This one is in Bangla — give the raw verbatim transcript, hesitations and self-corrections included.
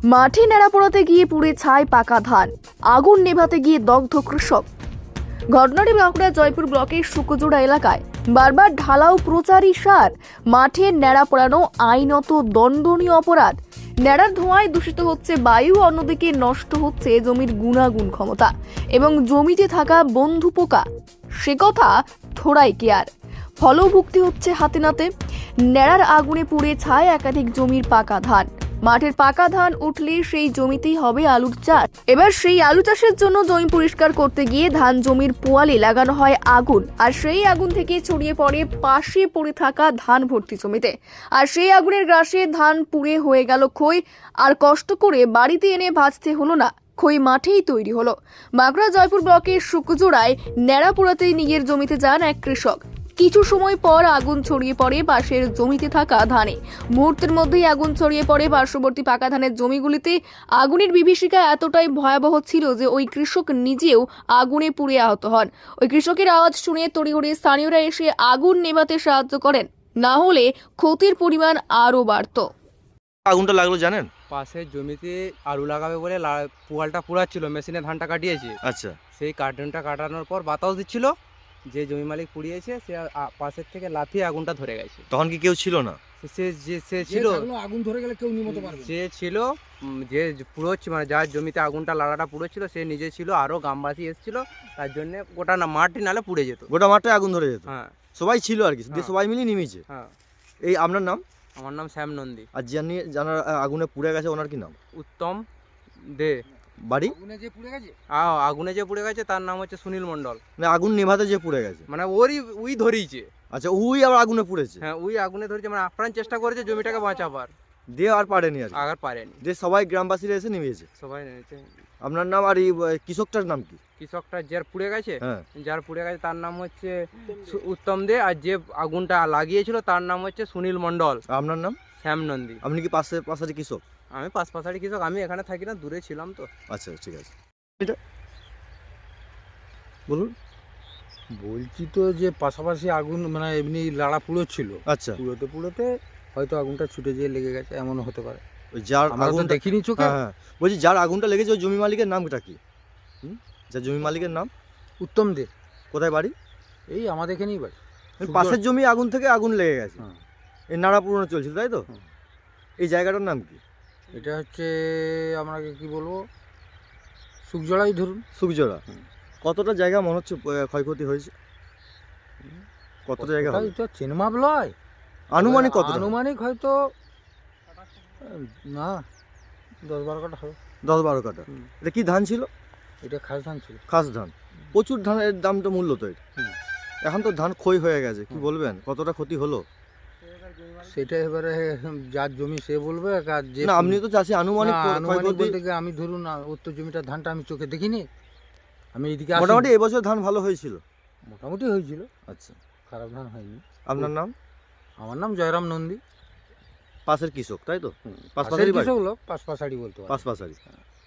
মাঠে নেড়া পোড়াতে গিয়ে পুড়ে ছাই পাকা ধান, আগুন নেভাতে গিয়ে দগ্ধ কৃষক। ঘটনাটি বাঁকুড়া জয়পুর ব্লকের শুকজোড়া এলাকায়। বারবার ঢালাও প্রচারী সার, মাঠে নেড়া পোড়ানো আইনত দণ্ডনীয় অপরাধ। নেড়ার ধোঁয়ায় দূষিত হচ্ছে বায়ু, অন্যদিকে নষ্ট হচ্ছে জমির গুণাগুণ ক্ষমতা এবং জমিতে থাকা বন্ধু পোকা। সে কথা থোড়াই কি আর, ফলভুক্তি হচ্ছে হাতে নাতে। নেড়ার আগুনে পুড়ে ছায় একাধিক জমির পাকা ধান। মাঠের পাকা ধান উঠলে সেই জমিতেই হবে আলুর চাষ। এবার সেই আলু চাষের জন্য জমি পরিষ্কার করতে গিয়ে ধান জমির পোয়ালে লাগানো হয় আগুন, আর সেই আগুন থেকে ছড়িয়ে পড়ে পাশে পড়ে থাকা ধান ভর্তি জমিতে। আর সেই আগুনের গ্রাসে ধান পুড়ে হয়ে গেল খই, আর কষ্ট করে বাড়িতে এনে ভাজতে হলো না, খই মাঠেই তৈরি হলো। বাঁকুড়া জয়পুর ব্লকের শুকজোড়ায় নেড়া পোড়াতে নিজের জমিতে যান এক কৃষক। কিছু সময় পর আগুন ছড়িয়ে পড়ে পাশের জমিতে থাকা ধানে। মুহূর্তের মধ্যেই আগুন ছড়িয়ে পড়ে পার্শ্ববর্তী পাকা ধানের জমিগুলিতে। আগুনের বিভীষিকা এতটাই ভয়াবহ ছিল যে ওই কৃষক নিজেও আগুনে পুড়ে আহত হন। ওই কৃষকের আওয়াজ শুনে তড়িঘড়ি স্থানীয়রা এসে আগুন নেভাতে সাহায্য করেন, না হলে ক্ষতির পরিমাণ আরও বাড়ত। আগুনটা লাগলো জানেন? পাশের জমিতে আলু লাগাবে বলে লা- পুয়ালটা পুড়াচ্ছিল, মেশিনে ধানটা কাটিয়েছে। আচ্ছা, সেই কার্টনটা কাটানোর পর বাতাস দিচ্ছিল, যে জমি মালিক পুড়িয়েছে সে আ- পাশের থেকে লাফিয়ে আগুনটা ধরে গেছে। তখন কি কেউ ছিল না? সে যে সে যে ছিল থাকলো আগুন ধরে গেলে কেউ নিমতে পারবে না। যে ছিল উম, যে পুড়োচ্ছে, মানে যার জমিতে আগুনটা লাড়াটা পুড়েছিল সে নিজে ছিল, আরও গ্রামবাসী এসেছিল, তার জন্য গোটা না মাটি নালে পুড়ে যেত। গোটা মাঠে আগুন ধরে যেত। হ্যাঁ সবাই ছিল আর কি, দিয়ে হ্যাঁ। সবাই মিলে নিমেছে। হ্যাঁ, এই আপনার নাম? আমার নাম শ্যাম নন্দী। আর জানি জানার আগুনে পুড়ে গেছে ওনার কি নাম? উত্তম দে। বাড়ি? আগুনে যে পুড়ে গেছে আ- আগুনে যে পুড়ে গেছে তার নাম হচ্ছে সুনীল মণ্ডল। না, আগুন নেভাতে যে পুড়ে গেছে। মানে ওরই উই ধরিয়েছে। আচ্ছা, ওই আবার আগুনে পুড়েছে। হ্যাঁ, ওই আগুনে ধরেছে, মানে আপ্রাণ চেষ্টা করেছে জমিটাকে বাঁচাবার, দিয়ে আর পারেনি আর কি। আগার পারেনি। দিয়ে সবাই গ্রামবাসীরা এসে নিভিয়েছে। সবাই নেমেছে। আপনার নাম আর এই আহ, কৃষকটার নাম কি? কৃষকটা যার পুড়ে গেছে, হ্যাঁ, যার পুড়ে গেছে তার নাম হচ্ছে সু- উত্তম দে, আর যে আগুনটা লাগিয়েছিল তার নাম হচ্ছে সুনীল মণ্ডল। আর আপনার নাম? শ্যাম নন্দী। আপনি কি পাশে পাশারি কৃষক? আমি পাশপাশাড়ি কৃষক, আমি এখানে থাকি না, দূরে ছিলাম তো। আচ্ছা, ঠিক আছে। এটা বলুন। বলছি তো যে পাশাপাশি আগুন মানে এমনি লাড়া পুড়োচ্ছিল, আচ্ছা, পুড়োতে পুড়োতে হয়তো আগুনটা ছুটে যেয়ে লেগে গেছে, এমন হতে পারে। ওই যার আমরা তো আগুনটা দেখিনি চোখে। হ্যাঁ হ্যাঁ, বলছি যার আগুনটা লেগেছে ওই জমি মালিকের নামটা কি? হুম, যার জমি মালিকের নাম? উত্তম দে, কোথায় বাড়ি? এই আমাদের এখানেই বাড়ি। ওই পাশের জমি আগুন থেকে আগুন লেগে গেছে। হ্যাঁ। এই নাড়া পুরনো চলছিল, তাই তো? হুম। এই জায়গাটার নাম কি? এটা হচ্ছে আপনাকে কি বলবো, সুখজড়াই ধরুন। সুখজোড়া। হুম। কতটা জায়গা মনে হচ্ছে আহ, ক্ষয়ক্ষতি হয়েছে? কতটা জায়গা হবে? এটা চেনমাপ লয়, আনুমানিক কত? আনুমানিক হয়তো না দশ বারো কাটা হবে। দশ বারো কাটা। হুম। এটা কি ধান ছিল? এটা খাস ধান ছিল। খাস ধান। প্রচুর ধানের দাম তো, মূল্য তো এটা। হুম। এখন তো ধান ক্ষয় হয়ে গেছে, কি হুম। বলবেন কতটা ক্ষতি হলো? সেটা এবারে যার জমি সে বলবে, আর যে না, আপনি তো চাষি, আনুমানিক না, ক- আনুমানিক ক্ষয়ক্ষতি বলতে গিয়ে আমি ধরুন না, ওর তো জমিটা ধানটা আমি চোখে দেখিনি, আমি এইদিকে আসিনি। মোটামুটি এবছর ধান ভালো হয়েছিল। মোটামুটি হয়েছিল, আচ্ছা, খারাপ ধান হয়নি। আপনার নাম? আমার নাম জয়রাম নন্দী। পাশের কৃষক, তাই তো? হুম, পাশপাশারি পাশের বাড়ি? কৃষক লোক, পাশপাশাড়ি বলতে পারে। পাশপাশারি।